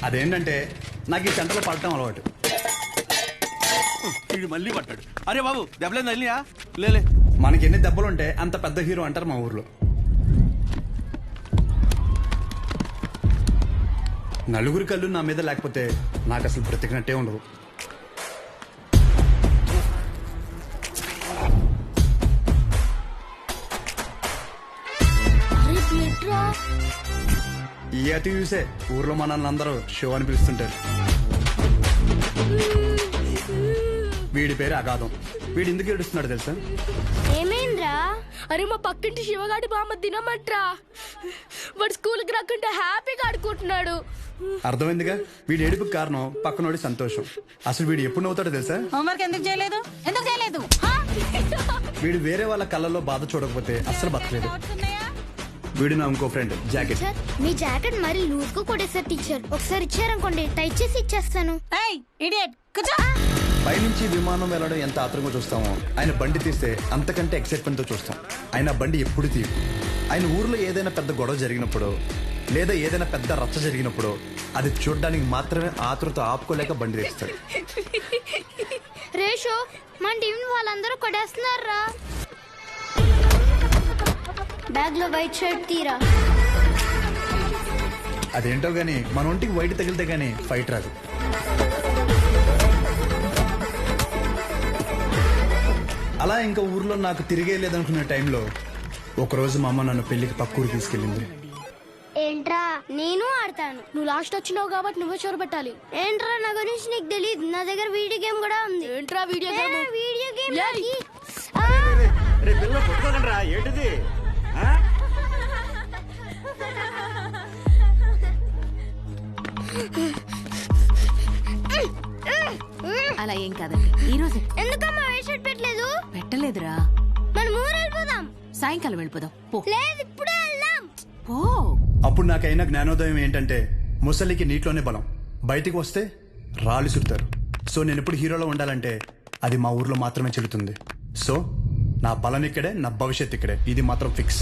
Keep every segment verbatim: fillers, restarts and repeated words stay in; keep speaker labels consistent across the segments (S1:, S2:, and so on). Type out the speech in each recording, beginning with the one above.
S1: అదేంటంటే నాకు ఈ సెంటర్లో పడటం అలవాటు.
S2: వీడు మళ్ళీ పట్టాడు. అరే బాబు దెబ్బలేదు తల్లియా? లేలే.
S1: మనకి ఎన్ని దెబ్బలుంటే అంత పెద్ద హీరో అంటారు మా ఊర్లో. నలుగురి కళ్ళు నా మీద లేకపోతే నాకు అసలు బ్రతికినట్టే ఉండదు. ఈ అతి చూసే ఊర్లో మనల్ని అందరూ షో అని పిలుస్తుంటారు. వీడి పేరు అగాధం. వీడు ఎందుకు ఏడుస్తున్నాడు తెలుసా?
S3: ఏమైందిరా? అరే మా పక్కింటి శివగాడి బామ్మ తినమంట్రా. వాడు స్కూల్కి రాకుంటే హ్యాపీగా ఆడుకుంటున్నాడు.
S1: అర్థమైందిగా వీడి ఏడుపుకి కారణం పక్కనోడి సంతోషం. అసలు వీడు ఎప్పుడు నవ్వుతాడో తెలుసా?
S4: హోంవర్క్ ఎందుకు చేయలేదు? ఎందుకు చేయలేదు?
S1: వీడు వేరే వాళ్ళ కళ్ళల్లో బాధ చూడకపోతే అస్సలు బతకలేదు. వీడు నా ఇంకో ఫ్రెండ్ జాకెట్.
S3: మీ జాకెట్ మరి లూజ్ గా కొట్టేసారు టీచర్. ఒకసారి ఇచ్చారనుకోండి టైట్ చేసి ఇచ్చేస్తాను.
S1: పైనుంచి విమానం వెళ్ళడం ఎంత ఆత్రంగా చూస్తామో ఆయన బండి తీస్తే అంతకంటే ఎక్సైట్మెంట్ తో చూస్తాం. ఆయన బండి ఎప్పుడు తీయు. ఆయన ఊర్లో ఏదైనా పెద్ద గొడవ జరిగినప్పుడు లేదా ఏదైనా పెద్ద రచ్చ జరిగినప్పుడు అది చూడడానికి మాత్రమే ఆతృత ఆపుకోలేక బండి తీస్తాడు.
S3: రేషో మన టీం వాళ్ళందరూ కొట్టేస్తున్నారా? బ్యాగ్ లో వైట్ షర్ట్ తీరా.
S1: అదేంటో గానీ మన ఒంటికి వైట్ తగిలితే గానీ ఫైట్ రాదు. అలా ఇంకా ఊర్లో నాకు తిరిగే లేదనుకునే టైంలో ఒకరోజు మా అమ్మ నన్ను పెళ్లికి పక్కూరు తీసుకెళ్ళింది.
S3: ఏంట్రా? నేను ఆడతాను. నువ్వు లాస్ట్ వచ్చినావు కాబట్టి నువ్వే చోరు పెట్టాలి. ఏంట్రా నా గురించి నీకు తెలియదు. నా దగ్గర వీడియో గేమ్ కూడా ఉంది. ఏంట్రా వీడియో గేమ్? వీడియో గేమ్
S2: ఏంటిది?
S4: అలా ఏం కాదండి. ఈ రోజు
S3: ఎందుకమ్మా వైట్ షర్ట్ పెట్టలేదు?
S4: పెట్టలేదురా.
S3: మనం ఊరు వెళ్ళిపోదాం.
S4: సాయంకాలం వెళ్ళిపోదాం. పో.
S3: లేదు ఇప్పుడే వెళ్దాం.
S4: పో.
S1: అప్పుడు నాకైనా జ్ఞానోదయం ఏంటంటే ముసలికి నీటిలోనే బలం, బయటికి వస్తే రాళ్ళు సుడతారు. సో నేను ఎప్పుడు హీరోలో ఉండాలంటే అది మా ఊర్లో మాత్రమే చెల్లుతుంది. సో నా బలం ఇక్కడే, నా భవిష్యత్ ఇక్కడే. ఇది మాత్రం ఫిక్స్.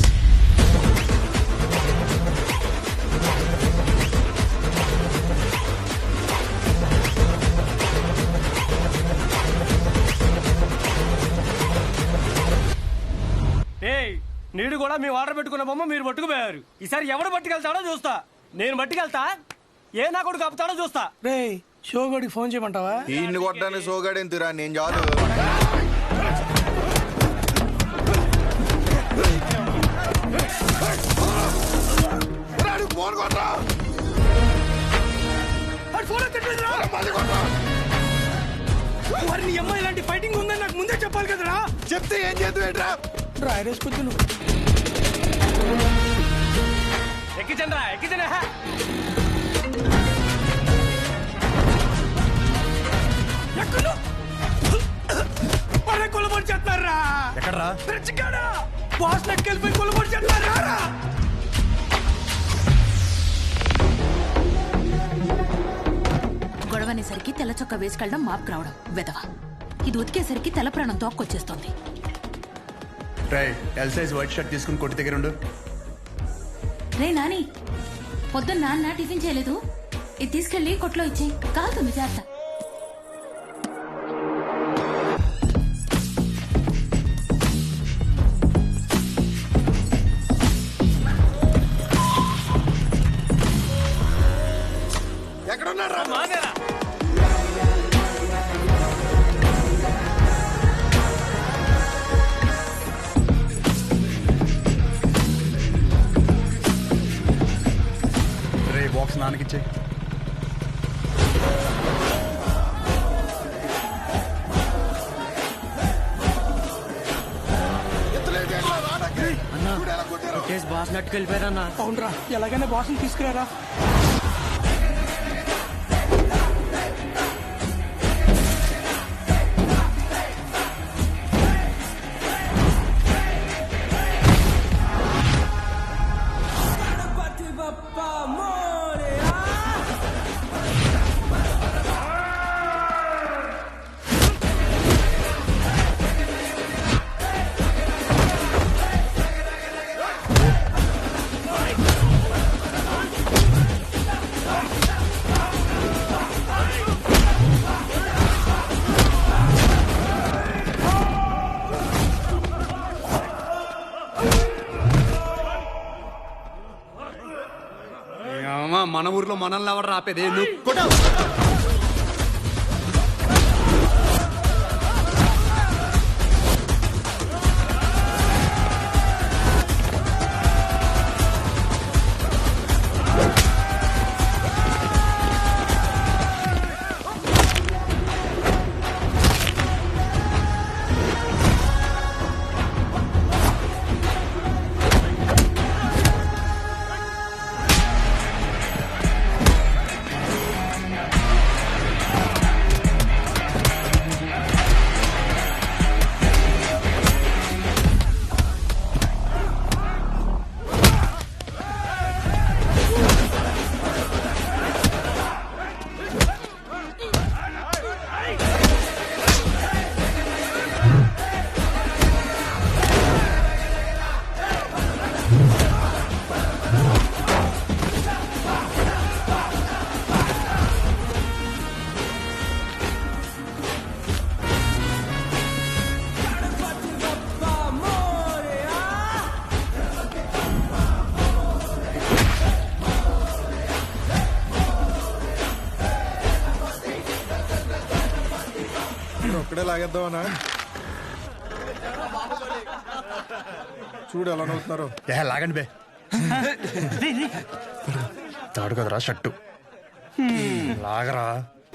S2: నీడు కూడా మీ ఆర్డర్ పెట్టుకున్న బొమ్మ మీరు పట్టుకుపోయారు. ఈసారి ఎవడు పట్టుకెళ్తాడో చూస్తా. నేను పట్టుకెళ్తా, ఏ నా కొడుకు ఆపుతాడో చూస్తా. రే షోగడికి ఫోన్ చేయమంటావా?
S5: ఈయన్ని కొట్టడానికి షోగడేం తిరా, నేను చాలు.
S2: నీ అమ్మాయి ఇలాంటి ఫైటింగ్ ఉందని నాకు ముందే చెప్పాలి కదరా.
S5: చెప్తే ఏం చేద్దా?
S2: రాయరేసుకొచ్చు నువ్వు. ఎక్కించండి రా, ఎక్కించండి. ఎక్కడ కొలబడి చేస్తారా?
S1: ఎక్కడరా?
S2: బాస్ నెక్కెళ్ళిపోయి కొలబడి చేస్తారా?
S4: గొడవనేసరికి తెల్ల చొక్క వేసుకెళ్ళడం మాపుకు రావడం వెదవ. ఇది ఉతికేసరికి తెల్ల ప్రాణం తోక్కొచ్చేస్తోంది.
S1: ఎల్ సైజ్ వైట్ షర్ట్ తీసుకుని కొట్టి దగ్గర ఉండు.
S4: రే నాని, పొద్దున్న నాన్న టిఫిన్ చేయలేదు. ఇది తీసుకెళ్లి కొట్లో ఇచ్చి కాలుతుంది చేస్త.
S5: ఎక్కడున్నారా?
S1: బాక్స్ నాన్నకిచ్చే.
S2: బాస్ నట్టుకెళ్ళిపోయారన్నా. అవునరా, ఎలాగైనా బాస్ని తీసుకురారా.
S1: లో మనల్ని ఎవరు రాపేది నువ్వు కొట్టు.
S5: ఒక్కడే లాగేద్దామనా? చూడు ఎలా నవ్వుతున్నారు.
S1: ఏ లాగండి బే. తాడు కదరా షట్టు లాగరా.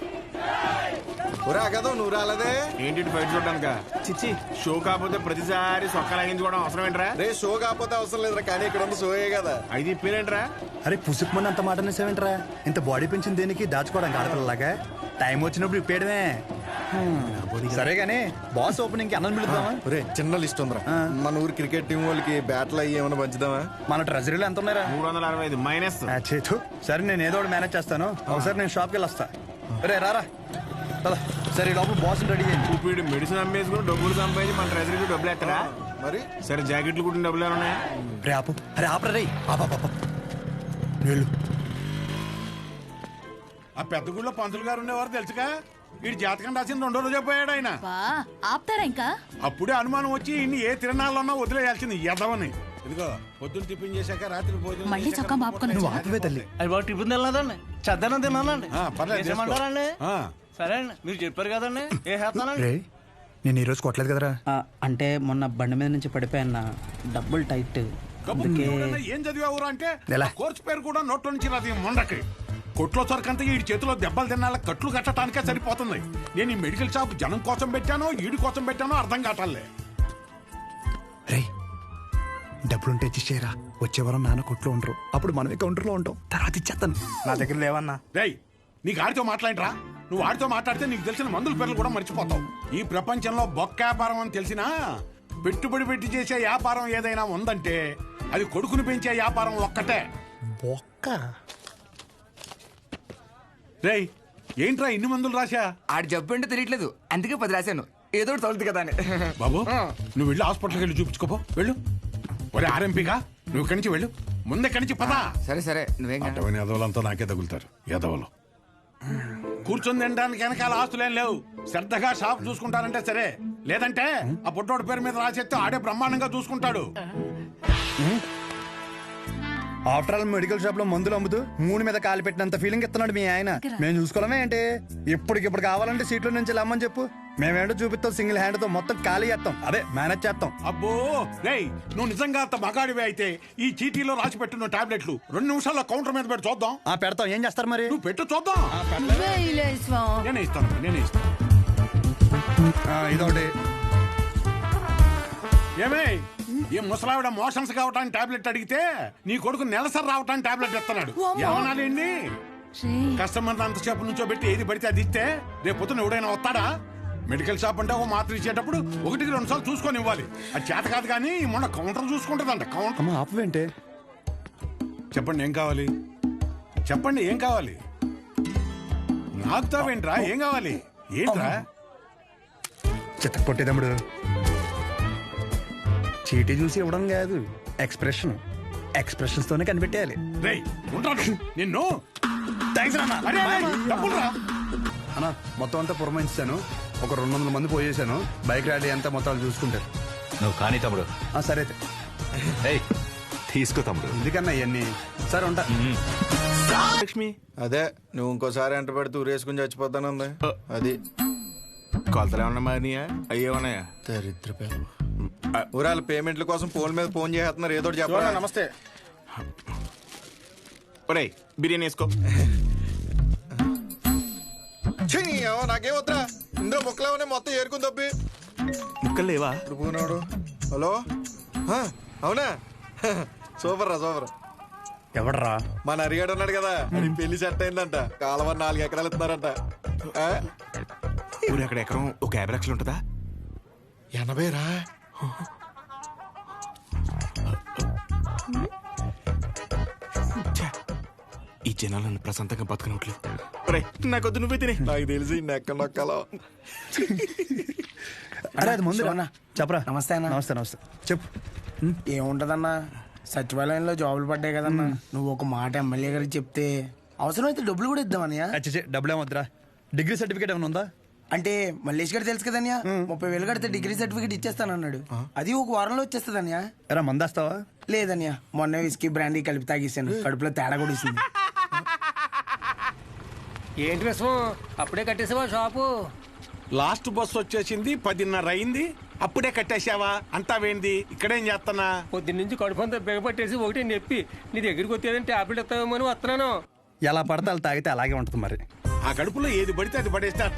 S5: ఒరే ఆగదు, నువ్వు రాలేదే.
S6: ఏంటి బయట చూడడానిక? చిచ్చి షో కాకపోతే ప్రతిసారి సొక్క లాగించుకోవడం అవసరం ఏంట్రా?
S5: రే షో కాకపోతే అవసరం లేదురా, కానీ ఇక్కడ ఉంది షోయే కదా.
S6: అయితే ఇప్పేరేంట్రా?
S1: అరే పుసుకుమని అంత మాట అనేసేవేంట్రా? ఇంత బాడీ పెంచింది దేనికి? దాచుకోవడానికి ఆడపిల్లలాగా టైం వచ్చినప్పుడు ఇప్పేయడమే. సరే గానీ బాస్ ఓపెనింగ్ కి అన్నం పిలుద్దామా?
S5: ఒరే చిన్న లిస్ట్ ఉందిరా. మన ఊరు క్రికెట్ టీం వాళ్ళకి బ్యాట్లు అయ్యి ఏమైనా పంచుదామా?
S1: మన ట్రెజరీలో ఎంత ఉన్నారా?
S6: మూడు వందల అరవై ఐదు మైనస్.
S1: ఆ, చేతు సరే నేను ఏదో ఒకటి మేనేజ్ చేస్తాను. ఒకసారి నేను షాప్కి వెళ్ళి వస్తా. రే రారా పద. సరే ఈ లోపల బాస్ రెడీ చేయండి.
S6: ఇప్పుడు మెడిసిన్ అమ్మేసుకుని డబ్బులు సంపాదించి మన ట్రెజరీకి డబ్బులు ఎత్తరా?
S5: మరి
S6: సరే జాకెట్లు కుట్టిన డబ్బులు ఏమన్నా?
S1: రే ఆపు. అరే ఆపరా రే. ఆపా వెళ్ళు.
S7: ఆ పెద్ద గుళ్ళో పంతులు గారు ఉండేవారు తెలుసుగా. వీడి జాతకం రాసిన రెండో రోజే పోయాడు ఆయన.
S4: ఆపుతారా ఇంకా?
S7: అప్పుడే అనుమానం వచ్చి ఇన్ని ఏ తిరణాలన్నా వదిలేయాల్సింది ఎదవని. ఇదిగో పొద్దున్న టిఫిన్ చేశాక రాత్రి భోజనం
S4: మళ్ళీ
S7: చేశాక
S4: చొక్కా మాపుకొని
S1: నువ్వు ఆపవే తల్లి.
S2: అది బాగా టిఫిన్ తినలేదండి, చద్దనం తిన్నానండి.
S7: ఆ, పర్లేదు, చేసుకో.
S2: ఏమంటారండి?
S7: ఆ.
S2: సరే అండి, మీరు చెప్పారు కదండి, ఏ చేస్తానండి.
S1: రే నేను ఈరోజు కొట్టలేదు కదరా.
S8: ఆ, అంటే మొన్న బండి మీద నుంచి పడిపోయాన్న, డబ్బులు టైట్.
S7: కబుర్లు
S8: అందుకే
S7: ఎవరైనా ఏం చదివావురా అంటే
S1: ఎలా?
S7: ఆ కోర్సు పేరు కూడా నోట్లో నుంచి రాదు ఈ మొండకి. కొట్లో సరికంతా ఈ చేతిలో దెబ్బలు తినాల కట్లు కట్టడానికే సరిపోతుంది. నేను ఈ మెడికల్ షాప్ జనం కోసం పెట్టానో ఈడి కోసం పెట్టానో అర్థం కావట్లే.
S1: రే డబ్బులుంటే ఇచ్చేయరా. వచ్చే వారం నాన్న కొట్లో ఉండరు, అప్పుడు మనమే కౌంటర్లో ఉంటాం. తర్వాత ఇచ్చేస్తాను.
S8: నా దగ్గర లేవన్నా.
S7: రేయ్ నీకు ఆడితో మాట్లాడరా? నువ్వు ఆడితో మాట్లాడితే నీకు తెలిసిన మందుల పేర్లు కూడా మర్చిపోతావు. ఈ ప్రపంచంలో బొక్క వ్యాపారం అని తెలిసినా పెట్టుబడి పెట్టి చేసే వ్యాపారం ఏదైనా ఉందంటే అది కొడుకుని పెంచే వ్యాపారం ఒక్కటే.
S1: బొక్క
S7: రేయ్ ఏంట్రా ఇన్ని మందులు రాశా?
S9: ఆడి జబ్బు ఏంటో తెలియట్లేదు, అందుకే పది రాశాను. ఏదో ఒకటి తగులుతుంది కదా అని.
S7: బాబు నువ్వు వెళ్ళి హాస్పిటల్కి వెళ్ళి చూపించుకోపో, వెళ్ళు. ఒరే ఆర్ఎంపీగా నువ్వు ఇక్కడి నుంచి వెళ్ళు, ముందు ఇక్కడి నుంచి పదా.
S9: సరే సరే నువ్వేం కాదు.
S7: అటవని ఎదవలంతా నాకే తగులుతారు ఎదవలు. కూర్చొని తినడానికి వెనకాల ఆస్తులేం లేవు. శ్రద్ధగా షాప్ చూసుకుంటారంటే సరే, లేదంటే ఆ పుట్టోడి పేరు మీద రాసేస్తే ఆడే బ్రహ్మాండంగా చూసుకుంటాడు.
S1: ఆఫ్టర్ ఆల్ మెడికల్ షాప్ లో మందులు అమ్ముతూ మూడు మీద కాలు పెట్టినంత ఫీలింగ్ ఇస్తున్నాడు మీ ఆయన. మేము చూసుకోవడమే ఏంటి? ఇప్పటికిప్పుడు కావాలంటే సీట్ల నుంచి లమ్మని చెప్పు, మేమేంటో చూపిస్తాం. సింగిల్ హ్యాండ్ తో మొత్తం ఖాళీ చేస్తాం, అదే మేనేజ్ చేస్తాం.
S7: అబ్బో రేయ్ నువ్వు నిజంగా అంత మగాడివే అయితే ఈ చీటీలో రాసి పెట్టున్న టాబ్లెట్లు రెండు నిమిషాల్లో కౌంటర్ మీద పెట్టి చూద్దాం.
S1: ఆ పెడతాం, ఏం చేస్తారు మరి?
S7: నువ్వు పెట్టు చూద్దాం. నేనే ఇస్తాను నేనే ఇస్తాను.
S1: ఆ, ఇదొకటి.
S7: ఏమే ఈ ముసలావిడ మోషన్స్ కావటానికి టాబ్లెట్ అడిగితే నీ కొడుకు నెలసరి రావటానికి టాబ్లెట్ ఇస్తున్నాడు. ఏమనాలండి? కస్టమర్ అంతసేపు నుంచో పెట్టి ఏది పడితే అది ఇస్తే రేపు పొద్దున ఎవడైనా వస్తాడా? మెడికల్ షాప్ అంటే ఒక మాత్ర ఇచ్చేటప్పుడు ఒకటికి రెండు సార్లు చూసుకొని ఇవ్వాలి. అది చేత కాదు కానీ మొన్న కౌంటర్ చూసుకుంటుందంట. కౌంటర్
S1: అమ్మ ఆపవేంటే?
S7: చెప్పండి ఏం కావాలి? చెప్పండి ఏం కావాలి? నాకుతావేంట్రా? ఏం కావాలి? ఏంట్రా?
S1: చిత్త కొట్టేదమ్ముడు. చీటీ చూసి ఇవ్వడం కాదు, ఎక్స్ప్రెషన్. ఎక్స్ప్రెషన్స్ తోనే కనిపెట్టేయాలి.
S7: రేయ్ ఉంటాడు నిన్ను.
S1: థ్యాంక్స్ అన్న.
S7: అరే, అరే, డబ్బులురా.
S1: అన్న మొత్తం అంతా పురమాయించాను. ఒక రెండు వందల మంది పోయేసాను. బైక్ ర్యాలీ అంతా మొత్తం చూసుకుంటారు.
S10: నువ్వు కానీ తమ్ముడు.
S1: ఆ, సరే అయితే.
S10: ఏయ్, తీసుకో తమ్ముడు.
S1: ఎందుకన్నా ఇవన్నీ? సరే ఉంటా.
S6: లక్ష్మి
S5: అదే నువ్వు ఇంకోసారి ఎంట పెడితే ఊరేసుకుని చచ్చిపోతానుంది అది.
S6: కొలతలు ఏమన్నా మారినాయా అయ్యే ఉన్నాయా?
S5: దరిద్ర పిల్ల. ఊరాల పేమెంట్ల కోసం ఫోన్ మీద ఫోన్ చేస్తున్నారు, ఏదో ఒకటి చెప్పరా.
S6: నమస్తే. ఒరేయ్ బిర్యానీ వేసుకో.
S5: ఛీ, ఏమో నాకేం వద్దా, ఇందులో ముక్కలేమనే మొత్తం ఏరుకుని తప్పి.
S6: ముక్కలు లేవా?
S5: ఇప్పుడు పోనాడు. హలో, ఆ, అవునా? సూపర్ రా సూపర్.
S1: ఎవడరా?
S5: మన అరిగాడు ఉన్నాడు కదా, అది పెళ్లి సెట్ అయిందంట. కాలువ నాలుగు ఎకరాలు ఇస్తున్నారంట. ఆ?
S6: ఊరు అక్కడ ఎకరం ఒక యాభై లక్షలు ఉంటుందా?
S5: ఎనభై రా.
S6: ఛే, ఈ జనాలు నన్ను ప్రశాంతంగా బతకనట్లేదు. ఒరేయ్ నాకొద్దు, నువ్వే తినే.
S5: నాకు తెలిసి నెక్క నొక్కలో.
S1: అరే అది ముందు
S2: శివన్న.
S1: చెప్పరా.
S2: నమస్తే అన్న.
S1: నమస్తే నమస్తే చెప్పు.
S2: ఏముంటదన్నా, సచివాలయంలో జాబులు పడ్డాయి కదన్నా. నువ్వు ఒక మాట ఎమ్మెల్యే గారికి చెప్తే అవసరమైతే డబ్బులు కూడా ఇద్దామన్నయ్య.
S1: అచ్చే డబ్బులు ఏమొద్దురా. డిగ్రీ సర్టిఫికేట్ ఏమైనా ఉందా?
S2: అంటే మల్లేష్ గారు తెలుసు కదన్యా, ముప్పై వేలు కడితే డిగ్రీ సర్టిఫికేట్ ఇచ్చేస్తానన్నాడు. అది ఒక వారంలో వచ్చేస్తుందన్యా.
S1: ఎరా మందేస్తావా?
S2: లేదన్యా, మొన్న విస్కీ బ్రాండీ కలిపి తాగేసాను, కడుపులో తేడా కూడా ఇస్తుంది.
S10: ఏంటి విషయం, అప్పుడే కట్టేసావా షాపు?
S7: లాస్ట్ బస్ వచ్చేసింది, పదిన్నర అయింది, అప్పుడే కట్టేశావా? అంతా వేంది, ఇక్కడేం చేస్తానా?
S10: పొద్దున్న నుంచి కడుపు అంతా బిగపట్టేసి ఒకటి నొప్పి, నీ దగ్గరికి వచ్చేదంటే టాబ్లెట్ ఇస్తావేమో అని వస్తున్నాను.
S1: ఎలా పడితే అలా తాగితే అలాగే ఉంటుంది మరి.
S7: ఆ కడుపులో ఏది పడితే అది పడేస్తే